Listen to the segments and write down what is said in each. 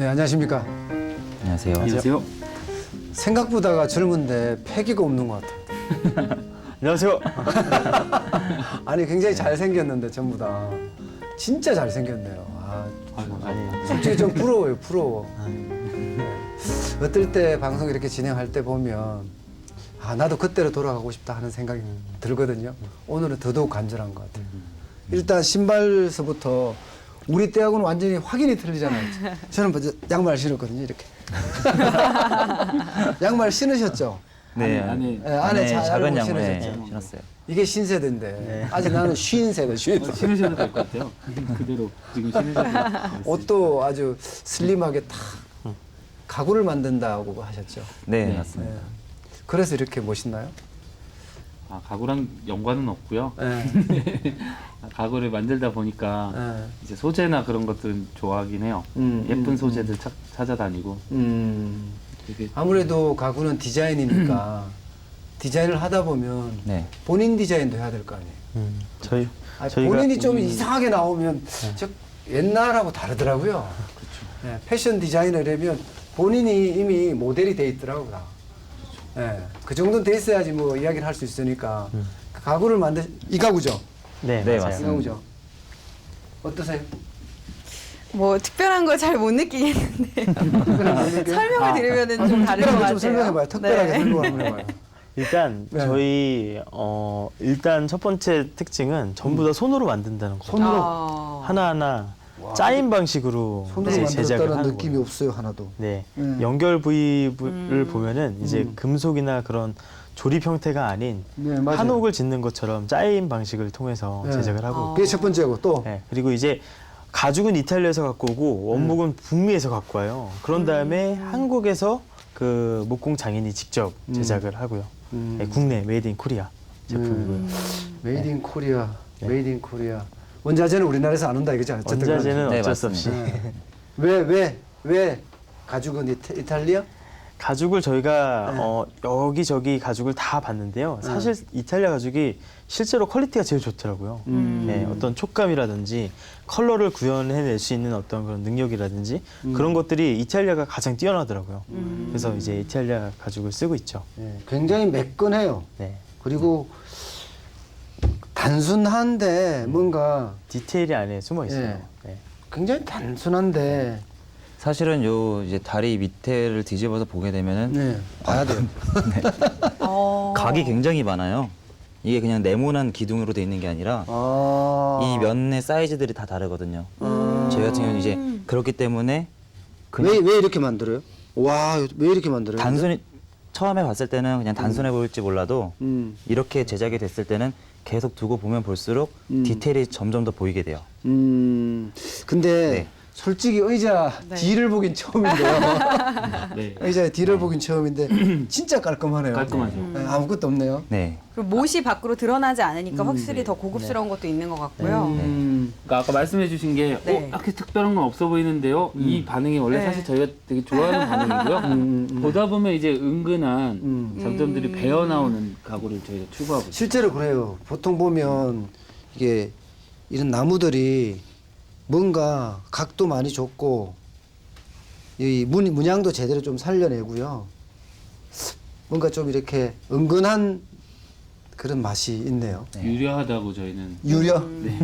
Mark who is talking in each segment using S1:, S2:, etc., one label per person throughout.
S1: 네, 안녕하십니까.
S2: 안녕하세요.
S3: 안녕하세요.
S1: 생각보다가 젊은데 패기가 없는 것 같아요.
S3: 안녕하세요.
S1: 아니 굉장히 잘생겼는데 전부 다 진짜 잘생겼네요.
S3: 아니,
S1: 솔직히 좀 부러워요. 부러워. 어떨 때 방송 이렇게 진행할 때 보면 나도 그때로 돌아가고 싶다 하는 생각이 들거든요. 오늘은 더더욱 간절한 것 같아요. 일단 신발서부터 우리 때하고는 완전히 확연히 틀리잖아요. 저는 먼저 양말 신었거든요. 이렇게. 양말 신으셨죠?
S2: 네,
S1: 안에
S2: 작은
S1: 잘
S2: 양말
S1: 신으셨죠?
S2: 신었어요.
S1: 이게 신세대인데 아직 나는 쉰 세대.
S3: 신으셔도 될 것 같아요. 그대로 지금 신으셔도 될 것 같아요.
S1: 옷도 아주 슬림하게 딱 가구를 만든다고 하셨죠.
S2: 네,
S3: 네.
S2: 맞습니다.
S1: 네. 그래서 이렇게 멋있나요?
S3: 가구랑 연관은 없고요.
S1: 네.
S3: 가구를 만들다 보니까
S1: 네.
S3: 이제 소재나 그런 것들은 좋아하긴 해요. 예쁜 소재들 찾아다니고. 되게
S1: 아무래도 가구는 디자인이니까 디자인을 하다 보면
S2: 네.
S1: 본인 디자인도 해야 될 거 아니에요.
S4: 저희가
S1: 본인이 좀 이상하게 나오면 저 옛날하고 다르더라고요.
S3: 그렇죠.
S1: 네, 패션 디자이너라면 본인이 이미 모델이 돼 있더라고요. 다. 네, 그 정도는 돼 있어야지 뭐 이야기를 할 수 있으니까 가구를 이 가구죠?
S4: 네,
S2: 네,
S4: 맞아요.
S1: 이
S2: 맞습니다.
S1: 가구죠? 어떠세요?
S5: 뭐 특별한 걸 잘 못 느끼겠는데요. 설명을 드리면은 좀 다를 것
S1: 특별하게
S5: 같아요.
S1: 좀 설명해봐요. 특별하게
S5: 네.
S1: 설명 한번 해봐요.
S4: 일단
S1: 네.
S4: 저희 일단 첫 번째 특징은 전부 다 손으로 만든다는 거.
S1: 손으로
S4: 하나하나 짜인 방식으로
S1: 손으로
S4: 이제 제작을
S1: 만들었다는
S4: 하는
S1: 느낌이
S4: 거예요.
S1: 없어요 하나도.
S4: 네, 연결 부위를 보면은 이제
S1: 음.
S4: 금속이나 그런 조립 형태가 아닌
S1: 네, 맞아요.
S4: 한옥을 짓는 것처럼 짜인 방식을 통해서
S1: 네.
S4: 제작을 하고 있고.
S1: 그게 첫 번째고 또
S4: 네, 그리고 이제 가죽은 이탈리아에서 갖고 오고 원목은 북미에서 갖고 와요. 그런 다음에 한국에서 그 목공 장인이 직접 제작을 하고요. 네, 국내 메이드 인 코리아 제품이고요.
S1: 메이드 인 코리아,
S4: 네.
S1: 메이드 인 코리아. 원자재는 우리나라에서 안 온다 이거죠? 어쨌든
S4: 원자재는
S2: 네,
S4: 어쩔 수 없이
S2: 맞습니다.
S1: 왜 가죽은 이탈리아?
S4: 가죽을 저희가 여기저기 가죽을 다 봤는데요. 사실 이탈리아 가죽이 실제로 퀄리티가 제일 좋더라고요. 네, 어떤 촉감이라든지 컬러를 구현해낼 수 있는 어떤 그런 능력이라든지 그런 것들이 이탈리아가 가장 뛰어나더라고요. 그래서 이제 이탈리아 가죽을 쓰고 있죠.
S1: 네, 굉장히 매끈해요.
S4: 네.
S1: 그리고 단순한데 뭔가
S4: 디테일이 안에 숨어 있어요.
S1: 예.
S4: 네.
S1: 굉장히 단순한데
S2: 사실은 요 이제 다리 밑에를 뒤집어서 보게 되면은
S1: 네, 봐야 돼요.
S2: 각이 굉장히 많아요. 이게 그냥 네모난 기둥으로 돼 있는 게 아니라 이 면의 사이즈들이 다 다르거든요. 저희 같은 경우는 이제 그렇기 때문에
S1: 왜 이렇게 만들어요? 와, 왜 이렇게 만들어요?
S2: 단순히 처음에 봤을 때는 그냥 단순해 보일지 몰라도 이렇게 제작이 됐을 때는 계속 두고 보면 볼수록 디테일이 점점 더 보이게 돼요.
S1: 근데
S2: 네.
S1: 솔직히 의자
S5: 네.
S1: 뒤를 보긴 처음인데요.
S3: 네.
S1: 의자의 뒤를 보긴 처음인데 진짜 깔끔하네요.
S3: 깔끔하죠.
S1: 네, 아무것도 없네요.
S2: 네.
S5: 그리고 못이 밖으로 드러나지 않으니까 확실히 더 고급스러운 것도 있는 것 같고요.
S3: 그러니까 아까 말씀해주신 게
S5: 네.
S3: 이렇게 특별한 건 없어 보이는데요. 이 반응이 원래
S5: 네.
S3: 사실 저희가 되게 좋아하는 반응이고요. 보다 보면 이제 은근한 장점들이 배어 나오는 가구를 저희가 추구하고 있어요.
S1: 실제로 그래요. 보통 보면 이게 이런 나무들이 뭔가 각도 많이 줬고 이 문양도 제대로 좀 살려내고요. 뭔가 좀 이렇게 은근한 그런 맛이 있네요.
S3: 유려하다고 저희는
S1: 유려?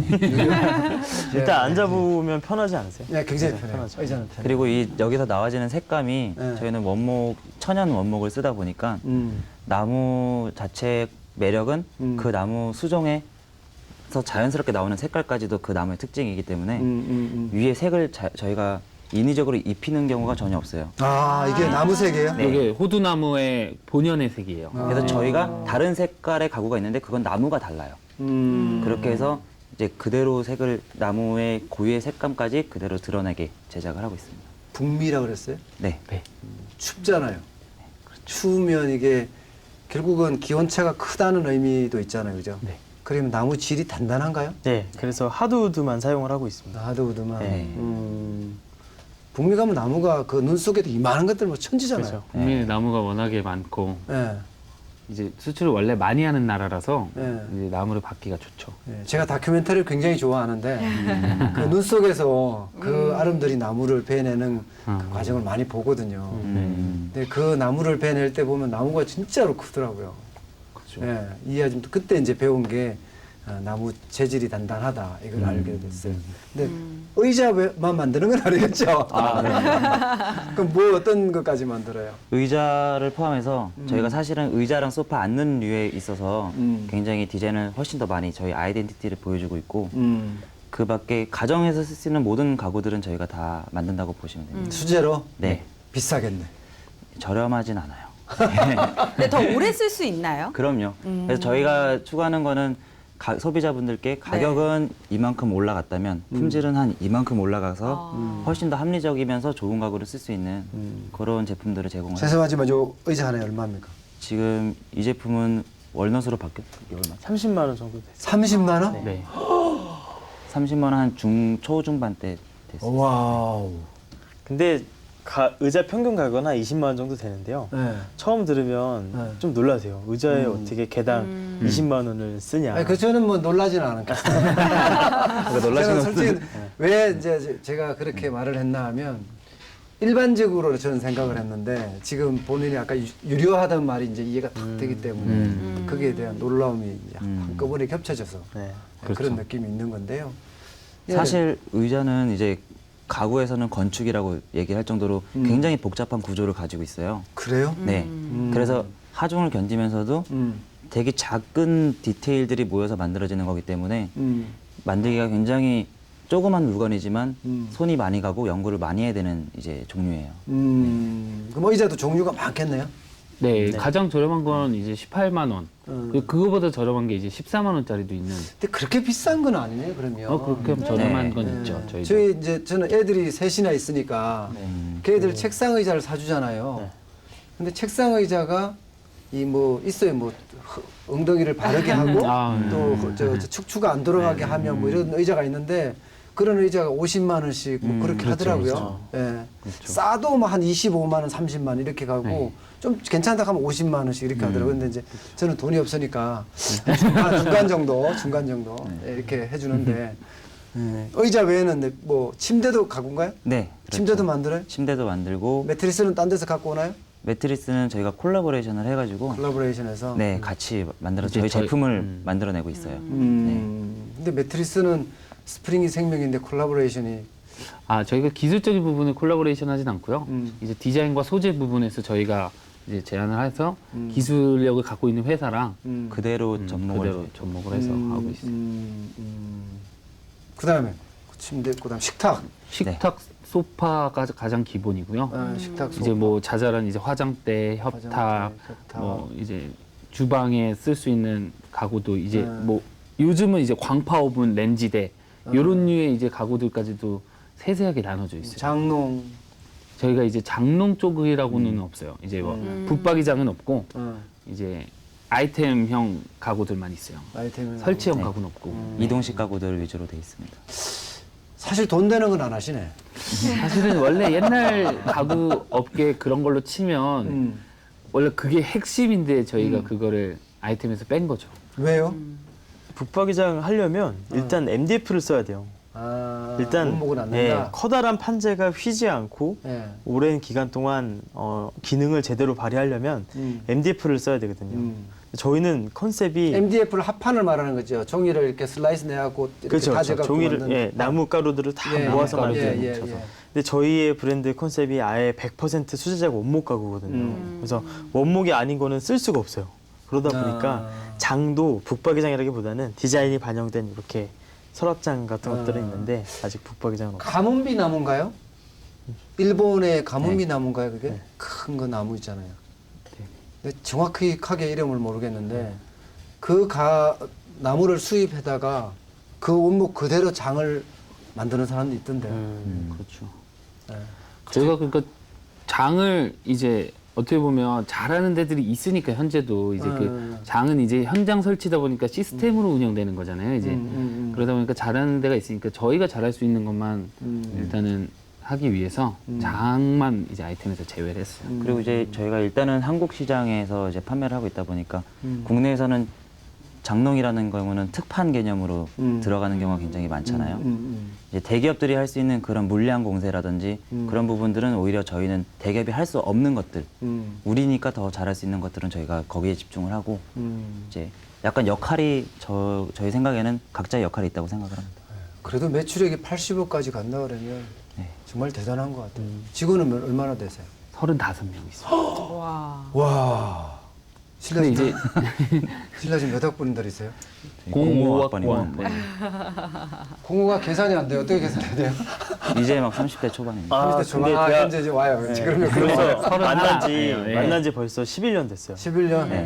S4: 일단 앉아보면 편하지 않으세요?
S1: 네, 굉장히
S4: 네,
S1: 편해요.
S4: 편하죠.
S1: 의자는 편해요.
S2: 그리고 이 여기서 나와지는 색감이
S1: 네.
S2: 저희는 천연 원목을 쓰다 보니까
S1: 음.
S2: 나무 자체의 매력은 그 나무 수종에서 자연스럽게 나오는 색깔까지도 그 나무의 특징이기 때문에 위에 색을 저희가 인위적으로 입히는 경우가 전혀 없어요.
S1: 이게 나무색이에요?
S2: 네.
S3: 이게 호두나무의 본연의 색이에요.
S2: 그래서 저희가 다른 색깔의 가구가 있는데 그건 나무가 달라요. 그렇게 해서 이제 그대로 색을 나무의 고유의 색감까지 그대로 드러내게 제작을 하고 있습니다.
S1: 북미라고 그랬어요?
S2: 네.
S1: 춥잖아요. 추우면 이게 결국은 기온차가 크다는 의미도 있잖아요. 그죠?
S4: 네.
S1: 그러면 나무 질이 단단한가요?
S4: 네, 그래서 하드우드만 사용을 하고 있습니다.
S1: 하드우드만.
S4: 네.
S1: 북미 가면 나무가 그 눈 속에도 이만한 것들 뭐 천지잖아요.
S4: 그렇죠.
S3: 국민의 나무가 워낙에 많고
S1: 네.
S3: 이제 수출을 원래 많이 하는 나라라서
S1: 네.
S3: 이제 나무를 받기가 좋죠.
S1: 네, 제가 다큐멘터리를 굉장히 좋아하는데 그 눈 속에서 그 아름드리 나무를 베내는 그 과정을 많이 보거든요. 근데 그 나무를 베낼 때 보면 나무가 진짜로 크더라고요.
S3: 그렇죠.
S1: 네, 이 아줌도 그때 이제 배운 게 나무 재질이 단단하다 이걸 알게 됐어요. 근데 의자만 만드는 건 아니겠죠? 그럼 뭐 어떤 것까지 만들어요?
S2: 의자를 포함해서 저희가 사실은 의자랑 소파 앉는 류에 있어서 굉장히 디자인을 훨씬 더 많이 저희 아이덴티티를 보여주고 있고 그 밖에 가정에서 쓸 수 있는 모든 가구들은 저희가 다 만든다고 보시면 됩니다.
S1: 수제로?
S2: 네.
S1: 비싸겠네.
S2: 저렴하진 않아요.
S5: 근데 더 오래 쓸 수 있나요?
S2: 그럼요. 그래서 저희가 추구하는 거는 소비자분들께 가격은 이만큼 올라갔다면 품질은 한 이만큼 올라가서 훨씬 더 합리적이면서 좋은 가구를 쓸 수 있는 그런 제품들을 제공을 해요.
S1: 죄송하지만 요 의자 하나에 얼마입니까?
S2: 지금 이 제품은 월넛으로 바뀌었 이게 얼마?
S4: 30만 원 정도 됐어요.
S1: 30만 원?
S3: 네.
S2: 30만 원 한 초중반대 됐어요.
S1: 와우.
S4: 근데 의자 평균 가격은 한 20만 원 정도 되는데요.
S1: 네.
S4: 처음 들으면
S1: 네.
S4: 좀 놀라세요. 의자에 어떻게 개당 20만 원을 쓰냐.
S1: 아니, 그 저는 뭐 놀라지는 않았겠어요. 저는 솔직히 왜 이제 제가 그렇게 말을 했나 하면 일반적으로 저는 생각을 했는데 지금 본인이 아까 유료하다는 말이 이제 이해가 탁 되기 때문에 거기에 대한 놀라움이 이제 한꺼번에 겹쳐져서
S4: 네.
S1: 그런 느낌이 있는 건데요. 예.
S2: 사실 의자는 이제 가구에서는 건축이라고 얘기할 정도로 굉장히 복잡한 구조를 가지고 있어요.
S1: 그래요?
S2: 네. 그래서 하중을 견디면서도 되게 작은 디테일들이 모여서 만들어지는 거기 때문에 만들기가 굉장히 조그만 물건이지만 손이 많이 가고 연구를 많이 해야 되는 이제 종류예요.
S1: 그럼 의자도 종류가 많겠네요.
S3: 네, 가장 저렴한 건 이제 18만 원. 그리고 그거보다 저렴한 게 이제 14만 원짜리도 있는.
S1: 근데 그렇게 비싼 건 아니네요, 그러면.
S3: 그렇게 하면 저렴한
S2: 네.
S3: 건 있죠. 저희도.
S1: 저희 이제 저는 애들이 셋이나 있으니까 걔들 책상 의자를 사주잖아요. 근데 책상 의자가 이 뭐 있어요, 뭐 엉덩이를 바르게 하고 또 저 축추가 안 돌아가게 하면 뭐 이런 의자가 있는데 그런 의자가 50만 원씩 뭐 그렇게 하더라고요. 예. 싸도 뭐 한 25만 원, 30만 원 이렇게 가고 좀 괜찮다 하면 50만 원씩 이렇게 하더라고요. 근데 이제 저는 돈이 없으니까 중간 정도 이렇게 해주는데 의자 외에는 뭐 침대도 가구인가요?
S2: 네. 그렇죠.
S1: 침대도 만들어요?
S2: 침대도 만들고
S1: 매트리스는 딴 데서 갖고 오나요?
S2: 매트리스는 저희가 콜라보레이션을 해가지고
S1: 콜라보레이션에서.
S2: 네 같이 만들어 저희 제품을 만들어내고 있어요.
S1: 근데 매트리스는 스프링이 생명인데 콜라보레이션이
S3: 저희가 기술적인 부분에 콜라보레이션 하진 않고요. 이제 디자인과 소재 부분에서 저희가 이제 제안을 해서 기술력을 갖고 있는 회사랑
S2: 그대로 접목을
S3: 그대로 접목을 해서 하고 있어요.
S1: 그다음에 침대, 그다음 식탁.
S3: 식탁, 소파가 가장 기본이고요.
S1: 식탁 소파.
S3: 이제 뭐 자잘한 이제 화장대, 협탁, 뭐 이제 주방에 쓸 수 있는 가구도 이제 뭐 요즘은 이제 광파 오븐, 렌지대 이런 류의 이제 가구들까지도 세세하게 나눠져 있어요.
S1: 장롱.
S3: 저희가 이제 장롱 쪽이라고는 없어요. 이제 뭐 붙박이장은 없고 이제 아이템형 가구들만 있어요.
S1: 아이템은
S3: 설치형
S2: 네.
S3: 가구는 없고.
S2: 이동식 가구들 위주로 돼 있습니다.
S1: 사실 돈 되는 건 안 하시네.
S3: 사실은 원래 옛날 가구 업계 그런 걸로 치면 원래 그게 핵심인데 저희가 그거를 아이템에서 뺀 거죠.
S1: 왜요?
S4: 북박이장 하려면 일단 MDF를 써야 돼요. 일단
S1: 원목은 안 된다.
S4: 커다란 판재가 휘지 않고
S1: 예.
S4: 오랜 기간 동안 기능을 제대로 발휘하려면 MDF를 써야 되거든요. 저희는 컨셉이
S1: MDF를 합판을 말하는 거죠. 종이를 이렇게 슬라이스 내갖고 이렇게
S4: 그렇죠.
S1: 다져갖고
S4: 종이를
S1: 만든
S4: 나무 가루들을 다
S1: 예,
S4: 모아서
S1: 예,
S4: 만드는
S1: 예,
S4: 거죠.
S1: 예.
S4: 근데 저희의 브랜드 컨셉이 아예 100% 수제자가 원목 가구거든요. 그래서 원목이 아닌 거는 쓸 수가 없어요. 그러다 보니까 장도 북박이장이라기보다는 디자인이 반영된 이렇게 서랍장 같은 것들은 있는데 아직 북박이장은 없어요.
S1: 가문비 나무인가요? 일본의 가문비 나무인가요? 그게 큰 거 나무 있잖아요. 근데 정확하게 이름을 모르겠는데 그 나무를 수입해다가 그 원목 그대로 장을 만드는 사람도 있던데요.
S3: 그렇죠.
S1: 네.
S3: 저희가 그러니까 장을 이제 어떻게 보면 잘하는 데들이 있으니까 현재도 이제 그 장은 이제 현장 설치다 보니까 시스템으로 운영되는 거잖아요. 이제 그러다 보니까 잘하는 데가 있으니까 저희가 잘할 수 있는 것만 일단은 하기 위해서 장만 이제 아이템에서 제외를 했어요.
S2: 그리고 이제 저희가 일단은 한국 시장에서 이제 판매를 하고 있다 보니까 국내에서는 장농이라는 경우는 특판 개념으로 들어가는 경우가 굉장히 많잖아요. 이제 대기업들이 할 수 있는 그런 물량 공세라든지 그런 부분들은 오히려 저희는 대기업이 할 수 없는 것들, 우리니까 더 잘할 수 있는 것들은 저희가 거기에 집중을 하고 이제 약간 역할이 저희 생각에는 각자의 역할이 있다고 생각을 합니다.
S1: 그래도 매출액이 80억까지 간다 그러면
S2: 네.
S1: 정말 대단한 것 같아요. 직원은 얼마나 되세요?
S3: 35명 있어요.
S5: 와.
S1: 와.
S3: 근데 이제
S1: 신라진 몇 학번들이세요?
S3: 05학번. 네.
S1: 공호가 계산이 안 돼요. 어떻게 계산해야 돼요?
S2: 이제 막 30대 초반입니다.
S4: 아,
S1: 30대 초반.
S4: 근데 제가-
S1: 현재 이제 와요. 그러면
S4: 그래서
S3: 서른
S4: 만난 지
S3: 하나. 예.
S4: 만난 지 벌써 11년 됐어요.
S1: 11년.
S2: 네.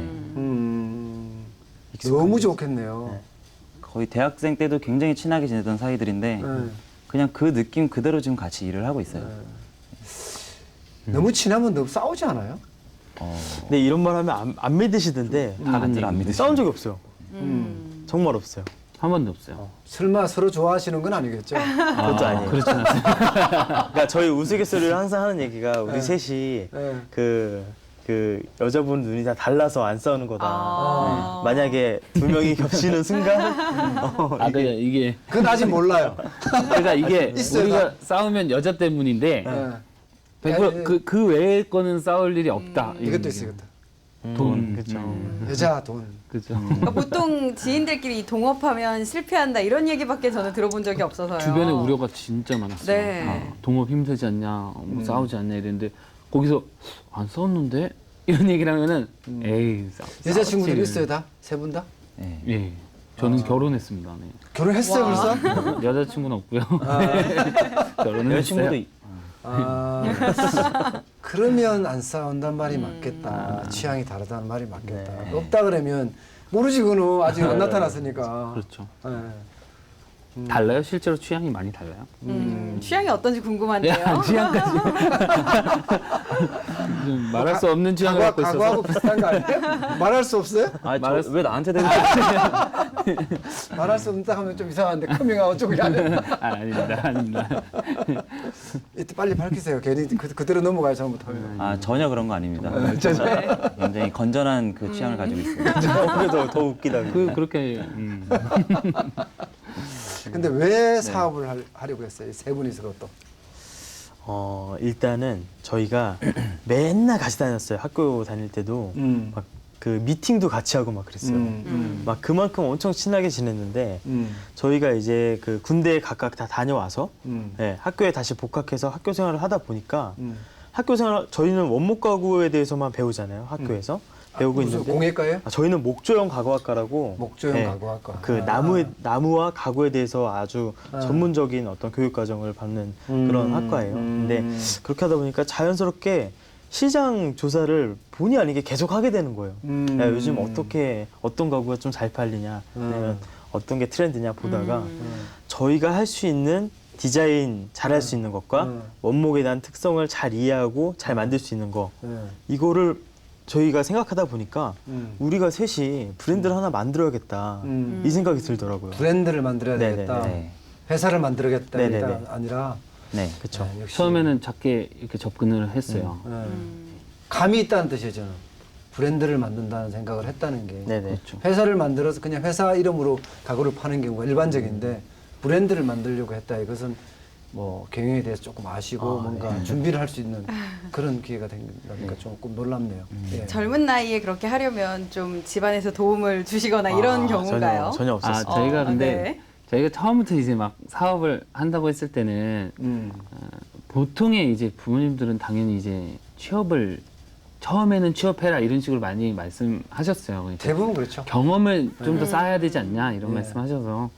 S1: 너무 좋겠네요.
S2: 거의 대학생 때도 굉장히 친하게 지내던 사이들인데
S1: 네.
S2: 그냥 그 느낌 그대로 지금 같이 일을 하고 있어요.
S1: 너무 친하면 너무 싸우지 않아요?
S4: 근데 이런 말 하면 안 믿으시던데
S2: 다들 안 믿으시죠?
S4: 싸운 적이 없어요. 정말 없어요.
S3: 한 번도 없어요.
S1: 설마 서로 좋아하시는 건 아니겠죠?
S4: 그것도 아니에요.
S3: 그렇진 않습니다.
S4: 그러니까 저희 우스갯소리를 항상 하는 얘기가 우리 셋이
S1: 네.
S4: 그 여자분 눈이 다 달라서 안 싸우는 거다.
S5: 아.
S4: 만약에 두 명이 겹치는 순간
S3: 아, 그러니까 이게
S1: 그건 아직 몰라요.
S3: 그러니까 이게
S1: 있어요,
S3: 우리가 싸우면 여자 때문인데
S1: 네.
S3: 100% 그 외의 거는 싸울 일이 없다.
S1: 이것도 있어요. 이것도.
S3: 돈.
S4: 그렇죠.
S1: 여자 돈.
S3: 그죠.
S5: 그러니까 보통 지인들끼리 동업하면 실패한다 이런 얘기밖에 저는 들어본 적이 없어서요.
S3: 주변에 우려가 진짜 많았어요.
S5: 네.
S3: 아, 동업 힘들지 않냐, 뭐 싸우지 않냐 이랬는데 거기서 안 싸웠는데 이런 얘기를 하면은 에이
S1: 여자친구들이
S3: 싸웠지.
S1: 있어요 다? 세 분 다?
S2: 네.
S3: 예, 저는 결혼했습니다. 네.
S1: 결혼했어요
S5: 와.
S1: 벌써?
S3: 여자친구는 없고요. 결혼은
S2: 여자친구도
S3: 했어요.
S1: 아, 그러면 안 싸운단 말이 맞겠다. 취향이 다르다는 말이 맞겠다.
S4: 네.
S1: 없다 그러면 모르지 그는 아직 안 나타났으니까.
S3: 그렇죠.
S1: 네.
S3: 달라요? 실제로 취향이 많이 달라요?
S5: 취향이 어떤지 궁금한데요.
S3: 취향까지 좀 말할 수 없는 취향을 갖고 있어서
S1: 과거하고 비슷한 거 아니에요? 말할 수 없어요?
S2: 왜 나한테 되는 거야?
S1: 말할 수 없다 하면 좀 이상한데 커밍아웃 쪽이 아니에요.
S3: 아닙니다.
S1: 이때 빨리 밝히세요. 괜히 그대로 넘어가요 잘못하면.
S2: 아 전혀 그런 거 아닙니다. 굉장히 건전한 그 취향을 가지고 있어요.
S4: 그래서 더 웃기다.
S3: 그렇게
S1: 근데 왜 사업을 하려고 했어요? 세 분이서 또.
S4: 일단은 저희가 맨날 같이 다녔어요. 학교 다닐 때도 막 그 미팅도 같이 하고 막 그랬어요. 막 그만큼 엄청 친하게 지냈는데 저희가 이제 그 군대에 각각 다 다녀와서 네, 학교에 다시 복학해서 학교 생활을 하다 보니까 학교 생활 저희는 원목 가구에 대해서만 배우잖아요. 학교에서 배우고
S1: 무슨
S4: 있는데
S1: 공예과예요?
S4: 저희는 목조형 가구학과라고
S1: 목조형
S4: 네,
S1: 가구학과.
S4: 그 나무와 가구에 대해서 아주 전문적인 어떤 교육 과정을 받는 그런 학과예요. 근데 그렇게 하다 보니까 자연스럽게 시장 조사를 본의 아니게 계속 하게 되는 거예요. 야, 요즘 어떤 가구가 좀 잘 팔리냐, 아니면 어떤 게 트렌드냐 보다가 저희가 할 수 있는 디자인 잘할 수 있는 것과 원목에 대한 특성을 잘 이해하고 잘 만들 수 있는 거 이거를 저희가 생각하다 보니까 우리가 셋이 브랜드를 하나 만들어야겠다 이 생각이 들더라고요.
S1: 브랜드를 만들어야
S4: 네네네.
S1: 되겠다.
S2: 네.
S1: 회사를 만들어야겠다
S4: 네네네.
S1: 아니라
S2: 네.
S4: 그렇죠.
S1: 역시
S3: 처음에는 작게 이렇게 접근을 했어요.
S1: 감이 있다는 뜻이에요. 저는 브랜드를 만든다는 생각을 했다는 게
S4: 네네.
S1: 회사를 만들어서 그냥 회사 이름으로 가구를 파는 경우가 일반적인데 브랜드를 만들려고 했다. 이것은 뭐 경영에 대해서 조금 아시고 뭔가 준비를 할 수 있는 그런 기회가 된다니까 조금 놀랍네요. 예.
S5: 젊은 나이에 그렇게 하려면 좀 집안에서 도움을 주시거나 이런 경우인가요?
S4: 전혀 없었어요.
S3: 저희가 근데
S5: 네.
S3: 저희가 처음부터 이제 막 사업을 한다고 했을 때는 보통의 이제 부모님들은 당연히 이제 취업을 처음에는 취업해라 이런 식으로 많이 말씀하셨어요. 그러니까
S1: 대부분 그렇죠.
S3: 경험을 좀 더 쌓아야 되지 않냐 이런 말씀하셔서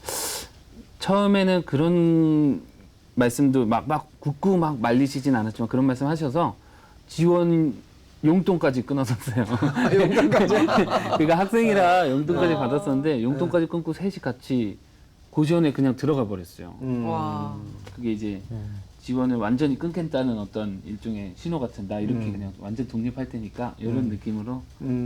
S3: 처음에는 그런 말씀도 막 굳고 막 말리시진 않았지만 그런 말씀하셔서 지원 용돈까지 끊었었어요.
S1: 용돈까지?
S3: 그러니까 학생이라 용돈까지 받았었는데 용돈까지 끊고 셋이 같이 고시원에 그냥 들어가 버렸어요.
S5: 와.
S3: 그게 이제 지원을 완전히 끊겠다는 어떤 일종의 신호 같은 나 이렇게 그냥 완전 독립할 테니까 이런 느낌으로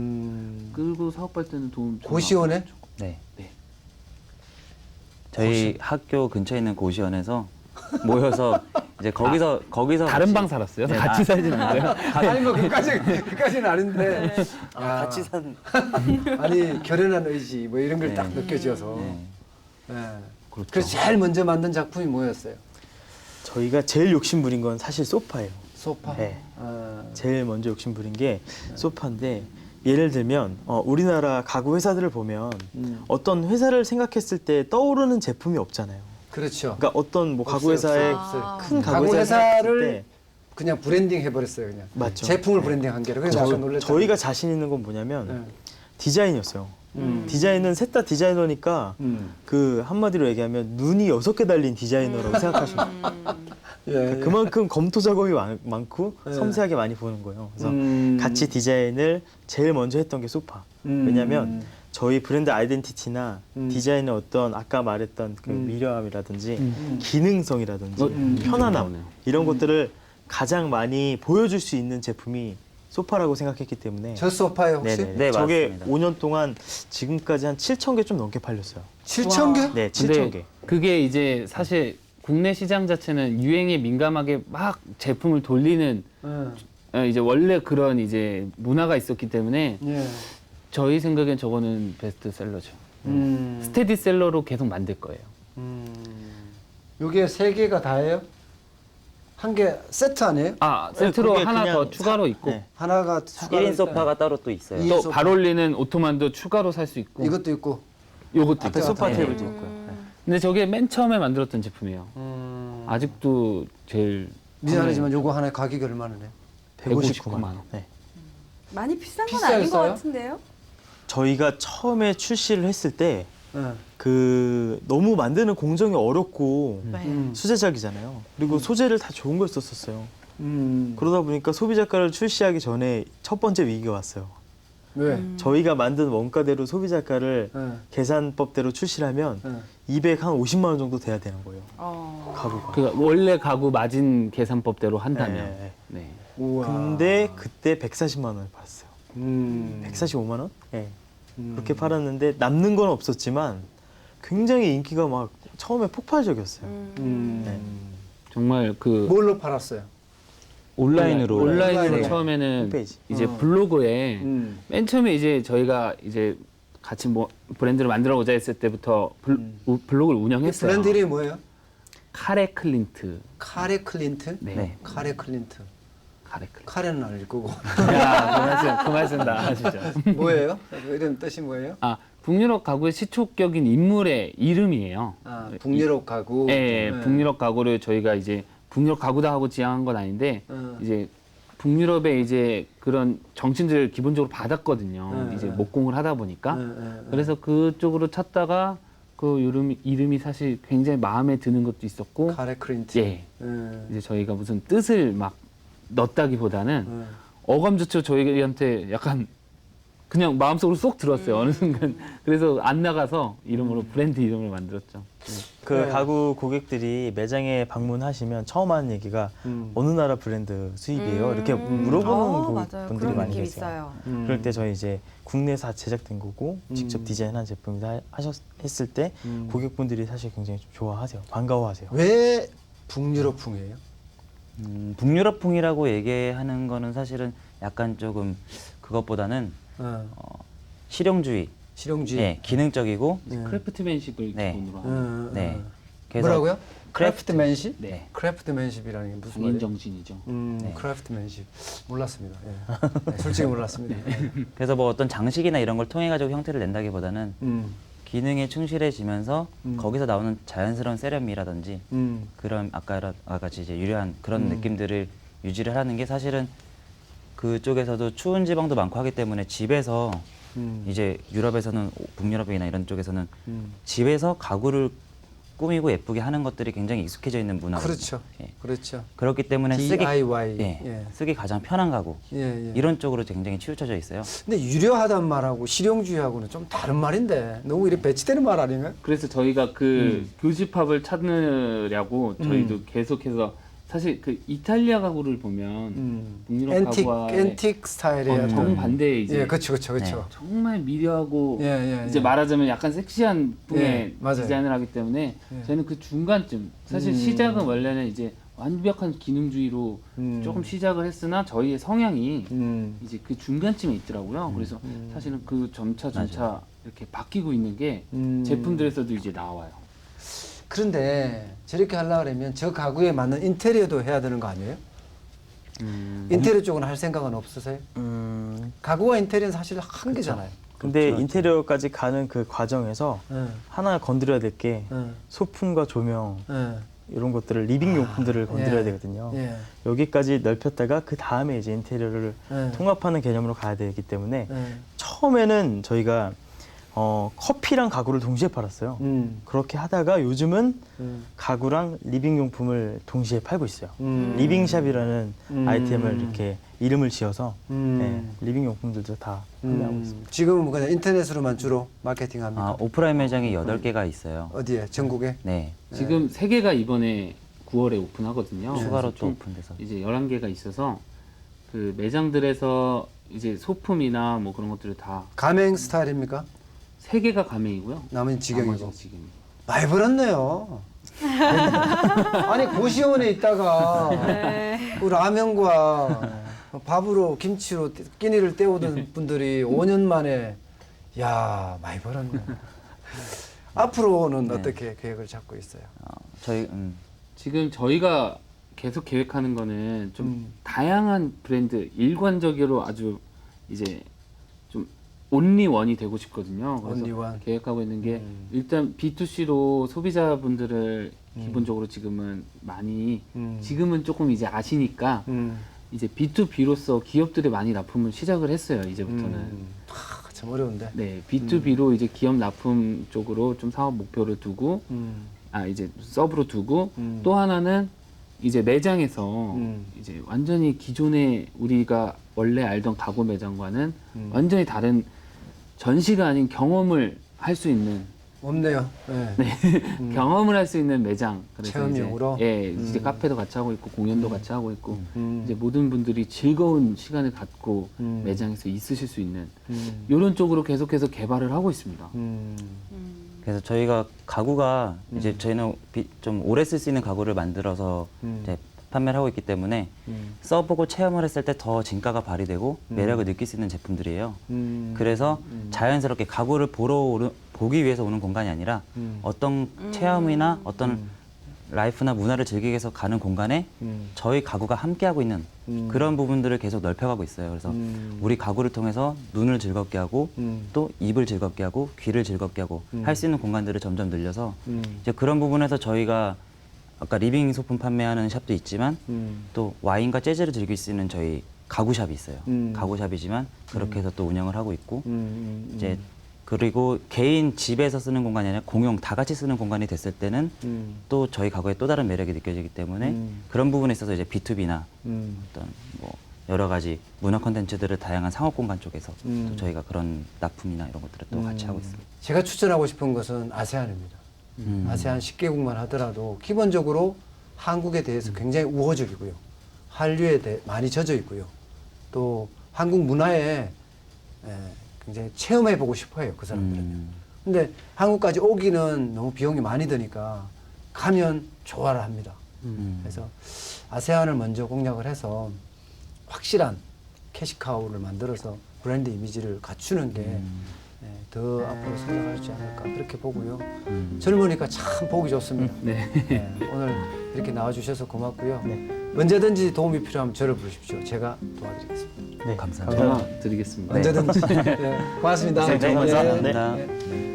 S3: 끌고 사업할 때는 도움 좀
S1: 고시원에?
S2: 네.
S3: 네.
S2: 저희 학교 근처에 있는 고시원에서 모여서 이제 거기서
S3: 다른
S2: 같이-
S3: 방 살았어요?
S2: 네,
S3: 같이 살진 않고요.
S1: 아니 뭐 그까지는 아닌데
S4: 같이 산
S1: 아니 결연한 의지 뭐 이런 걸 딱 느껴져서 예. 그래서 제일 먼저 만든 작품이 뭐였어요?
S4: 저희가 제일 욕심부린 건 사실 소파예요.
S1: 소파.
S4: 네.
S1: 아,
S4: 제일 먼저 욕심부린 게 소파인데 예를 들면 우리나라 가구 회사들을 보면 어떤 회사를 생각했을 때 떠오르는 제품이 없잖아요.
S1: 그렇죠.
S4: 그러니까 어떤 뭐 가구
S1: 없어요,
S4: 회사의
S1: 없어요.
S4: 큰
S1: 가구
S4: 가구
S1: 회사를
S4: 회사를
S1: 그냥 브랜딩 해버렸어요 그냥.
S4: 맞죠.
S1: 제품을 브랜딩한 게로. 그래서 깜짝 놀랐죠.
S4: 저희가 자신 있는 건 뭐냐면
S1: 네.
S4: 디자인이었어요. 디자인은 셋 다 디자이너니까 그 한마디로 얘기하면 눈이 6개 달린 디자이너라고 생각하시면 돼요.
S1: 예, 예.
S4: 그만큼 검토 작업이 많고
S1: 네.
S4: 섬세하게 많이 보는 거예요. 그래서
S1: 음.
S4: 같이 디자인을 제일 먼저 했던 게 소파. 왜냐하면 저희 브랜드 아이덴티티나 디자인의 어떤 아까 말했던 그 미려함이라든지 기능성이라든지 편안함
S3: 나오네요.
S4: 이런 것들을 가장 많이 보여줄 수 있는 제품이 소파라고 생각했기 때문에
S1: 저 소파에 혹시
S4: 네네.
S2: 네,
S4: 저게
S2: 맞습니다.
S4: 5년 동안 지금까지 한 7,000개 좀 넘게 팔렸어요.
S1: 7,000개?
S4: 네,
S3: 근데
S4: 7,000개.
S3: 그게 이제 사실 국내 시장 자체는 유행에 민감하게 막 제품을 돌리는 이제 원래 그런 이제 문화가 있었기 때문에
S1: 예.
S3: 저희 생각엔 저거는 베스트셀러죠. 스테디셀러로 계속 만들 거예요.
S1: 요게 3개가 다예요? 한 개 세트 아니에요?
S3: 아 세트로
S4: 그게
S3: 하나
S4: 그냥
S3: 더 추가로 있고
S4: 네.
S1: 하나가 추가로
S2: 1인 소파가 따로 또 있어요.
S1: 이-
S3: 또
S1: 소파.
S3: 발 올리는 오토만도 추가로 살 수 있고
S1: 이것도 있고.
S3: 요것도
S4: 앞에
S3: 있고.
S4: 소파
S2: 네.
S4: 테이블도 있고요. 네.
S3: 근데 저게 맨 처음에 만들었던 제품이에요. 아직도 제일
S1: 미안하지만 요거 하나의 가격이 얼마나 요
S4: 159만
S3: 159만
S4: 원. 네.
S5: 많이 비싼 건 아닌 것
S1: 비쌌어요?
S5: 같은데요?
S4: 저희가 처음에 출시를 했을 때
S1: 예.
S4: 그 너무 만드는 공정이 어렵고
S5: 네.
S4: 수제작이잖아요. 그리고 소재를 다 좋은 걸 썼었어요.
S1: 음.
S4: 그러다 보니까 소비자가를 출시하기 전에 첫 번째 위기가 왔어요.
S1: 왜?
S4: 저희가 만든 원가대로 소비자가를
S1: 예.
S4: 계산법대로 출시를 하면
S1: 예.
S4: 250만 원 정도 돼야 되는 거예요. 가구가.
S3: 그러니까 원래 가구 마진 계산법대로 한다면.
S4: 네.
S3: 네.
S1: 우와.
S4: 근데 그때 140만 원을 팔았어요.
S1: 음.
S4: 145만 원? 네. 그렇게 팔았는데 남는 건 없었지만 굉장히 인기가 막 처음에 폭발적이었어요. 네.
S3: 정말 그
S1: 뭘로 팔았어요?
S2: 온라인으로
S3: 온라인으로
S1: 온라인으로.
S3: 처음에는
S4: 홈페이지.
S3: 이제 블로그에
S1: 음.
S3: 맨 처음에 이제 저희가 이제 같이 뭐 브랜드를 만들어 보자 했을 때부터 블로그를
S1: 이
S3: 운영했어요.
S1: 브랜드 이름이 뭐예요?
S3: 카레 클린트.
S1: 카레 클린트?
S3: 네.
S2: 네.
S1: 카레 클린트.
S3: 카레 클린트.
S1: 카레는 아닐 거고.
S3: 야, 그만 쓴다, 진짜.
S1: 뭐예요? 이름 뜻이 뭐예요?
S3: 아, 북유럽 가구의 시초격인 인물의 이름이에요.
S1: 아, 북유럽 가구.
S3: 예, 북유럽 가구를 저희가 이제 북유럽 가구다 하고 지향한 건 아닌데 이제 북유럽의 이제 그런 정신들을 기본적으로 받았거든요. 이제 목공을 하다 보니까. 그래서 그쪽으로 찾다가 그 이름이 사실 굉장히 마음에 드는 것도 있었고,
S1: 카레 클린트.
S3: 예, 이제 저희가 무슨 뜻을 막 넣었다기보다는 어감조차 저희한테 약간 그냥 마음속으로 쏙 들었어요. 어느 순간. 그래서 안 나가서 이름으로 브랜드 이름을 만들었죠.
S4: 그
S1: 네.
S4: 가구 고객들이 매장에 방문하시면 처음 하는 얘기가 어느 나라 브랜드 수입이에요? 이렇게 물어보는
S5: 맞아요.
S4: 분들이
S5: 그런
S4: 많이
S5: 느낌
S4: 계세요.
S5: 있어요.
S4: 그럴 때 저희 이제 국내에서 제작된 거고 직접 디자인한 제품이다 했을 때 고객분들이 사실 굉장히 좀 좋아하세요. 반가워하세요.
S1: 왜 북유럽풍이에요?
S2: 북유럽풍이라고 얘기하는 거는 사실은 약간 조금 그것보다는 실용주의,
S1: 실용주의.
S2: 예, 기능적이고,
S3: 크래프트맨십을
S2: 네.
S3: 기본으로 하는
S2: 네. 그래서
S1: 뭐라고요? 크래프트맨십?
S3: 네.
S1: 크래프트맨십이라는 게 무슨
S3: 국민
S1: 말이에요?
S3: 정신이죠.
S1: 크래프트맨십. 몰랐습니다. 예. 네, 솔직히 몰랐습니다.
S2: 그래서 뭐 어떤 장식이나 이런 걸 통해 가지고 형태를 낸다기보다는
S1: 음.
S2: 기능에 충실해지면서 거기서 나오는 자연스러운 세련미라든지
S1: 음.
S2: 그런 아까 같이 이제 유려한 그런 느낌들을 유지를 하는 게 사실은 그쪽에서도 추운 지방도 많고 하기 때문에 집에서 이제 유럽에서는 북유럽이나 이런 쪽에서는 집에서 가구를 꾸미고 예쁘게 하는 것들이 굉장히 익숙해져 있는 문화거든요.
S1: 그렇죠.
S2: 예.
S1: 그렇죠.
S2: 그렇기 때문에
S1: DIY.
S2: 예, 쓰기 가장 편한 가구
S1: 예, 예.
S2: 이런 쪽으로 굉장히 치우쳐져 있어요.
S1: 근데 유려하단 말하고 실용주의하고는 좀 다른 말인데 너무 이렇게 배치되는 말 아닌가요?
S3: 그래서 저희가 그 교집합을 찾느라고 저희도 계속해서 사실 그 이탈리아 가구를 보면 북유럽 가구와
S1: 앤틱 스타일의
S3: 정반대의 이제
S1: 예, 그렇죠, 그렇죠.
S3: 정말 미려하고
S1: 예,
S3: 이제 말하자면 약간 섹시한 풍의
S1: 예, 맞아요.
S3: 디자인을 하기 때문에
S1: 예.
S3: 저는 그 중간쯤 사실 시작은 원래는 이제 완벽한 기능주의로 조금 시작을 했으나 저희의 성향이 이제 그 중간쯤에 있더라고요. 그래서 사실은 그 점차 이렇게 바뀌고 있는 게 제품들에서도 이제 나와요.
S1: 그런데 저렇게 하려고 그러면 저 가구에 맞는 인테리어도 해야 되는 거 아니에요? 인테리어 쪽은 할 생각은 없으세요? 가구와 인테리어는 사실 한 개잖아요.
S4: 근데 인테리어까지 가는 그 과정에서
S1: 예,
S4: 하나 건드려야 될 게
S1: 예,
S4: 소품과 조명
S1: 예,
S4: 이런 것들을 리빙 용품들을 건드려야
S1: 예.
S4: 되거든요.
S1: 예,
S4: 여기까지 넓혔다가 그 다음에 이제 인테리어를
S1: 예.
S4: 통합하는 개념으로 가야 되기 때문에
S1: 예.
S4: 처음에는 저희가 커피랑 가구를 동시에 팔았어요. 그렇게 하다가 요즘은 가구랑 리빙 용품을 동시에 팔고 있어요. 리빙샵이라는 아이템을 이렇게 이름을 지어서 네, 리빙 용품들도 다 판매하고 있습니다.
S1: 지금은 그냥 인터넷으로만 주로 마케팅합니까?
S2: 오프라인 매장이 8개가 있어요.
S1: 어디에? 전국에?
S2: 네.
S3: 지금 3개가 이번에 9월에 오픈하거든요.
S2: 추가로
S3: 그래서
S2: 또
S3: 좀
S2: 오픈돼서.
S3: 이제 11개가 있어서 그 매장들에서 이제 소품이나 뭐 그런 것들을 다
S1: 가맹 스타일입니까?
S3: 3개가 가맹이고요.
S1: 나머지는 직영이고.
S3: 나머지는 직영이고.
S1: 많이 벌었네요. 아니 고시원에 있다가 그 라면과 밥으로 김치로 끼니를 때우던 분들이 5년 만에 야 많이 벌었네. 앞으로는 어떻게 계획을 잡고 있어요?
S2: 저희
S3: 지금 저희가 계속 계획하는 거는 좀 다양한 브랜드, 일관적으로 아주 이제 좀 온리원이 되고 싶거든요. 그래서
S1: 온리원.
S3: 계획하고 있는 게 일단 B2C로 소비자분들을 기본적으로 지금은 많이 지금은 조금 이제 아시니까 이제 B2B로서 기업들이 많이 납품을 시작을 했어요. 이제부터는.
S1: 참 어려운데.
S3: 네, B2B로 이제 기업 납품 쪽으로 좀 사업 목표를 두고 이제 서브로 두고 또 하나는 이제 매장에서 이제 완전히 기존에 우리가 원래 알던 가구 매장과는 완전히 다른 전시가 아닌 경험을 할 수 있는
S1: 없네요. 네.
S3: 경험을 할 수 있는 매장. 그래서
S1: 체험용으로?
S3: 이제, 이제 카페도 같이 하고 있고 공연도 같이 하고 있고 이제 모든 분들이 즐거운 시간을 갖고 매장에서 있으실 수 있는 이런 쪽으로 계속해서 개발을 하고 있습니다.
S2: 그래서 저희가 가구가 이제 저희는 좀 오래 쓸 수 있는 가구를 만들어서 이제 판매를 하고 있기 때문에 써보고 체험을 했을 때 더 진가가 발휘되고 매력을 느낄 수 있는 제품들이에요. 그래서 자연스럽게 가구를 보기 위해서 오는 공간이 아니라 어떤 체험이나 어떤 라이프나 문화를 즐기기 위해서 가는 공간에 저희 가구가 함께하고 있는 그런 부분들을 계속 넓혀가고 있어요. 그래서 우리 가구를 통해서 눈을 즐겁게 하고 또 입을 즐겁게 하고 귀를 즐겁게 하고 할 수 있는 공간들을 점점 늘려서 이제 그런 부분에서 저희가 아까 리빙 소품 판매하는 샵도 있지만 또 와인과 재즈를 즐길 수 있는 저희 가구샵이 있어요. 가구샵이지만 그렇게 해서 또 운영을 하고 있고 이제 그리고 개인 집에서 쓰는 공간이 아니라 공용 다 같이 쓰는 공간이 됐을 때는 또 저희 가구에 또 다른 매력이 느껴지기 때문에 그런 부분에 있어서 이제 B2B나 어떤 뭐 여러 가지 문화 콘텐츠들을 다양한 상업 공간 쪽에서 또 저희가 그런 납품이나 이런 것들을 또 같이 하고 있습니다.
S1: 제가 추천하고 싶은 것은 아세안입니다. 아세안 10개국만 하더라도 기본적으로 한국에 대해서 굉장히 우호적이고요. 한류에 많이 젖어 있고요. 또 한국 문화에 굉장히 체험해보고 싶어요, 그 사람들은. 근데 한국까지 오기는 너무 비용이 많이 드니까 가면 좋아를 합니다. 그래서 아세안을 먼저 공략을 해서 확실한 캐시카우를 만들어서 브랜드 이미지를 갖추는 게 더 앞으로 성장하지 않을까 그렇게 보고요. 젊으니까 참 보기 좋습니다.
S3: 네.
S1: 오늘 이렇게 나와주셔서 고맙고요. 언제든지 도움이 필요하면 저를 부르십시오. 제가 도와드리겠습니다.
S4: 네,
S2: 감사합니다.
S3: 전화 드리겠습니다.
S1: 언제든지. 네, 고맙습니다.
S2: 네, 감사합니다.
S1: 네.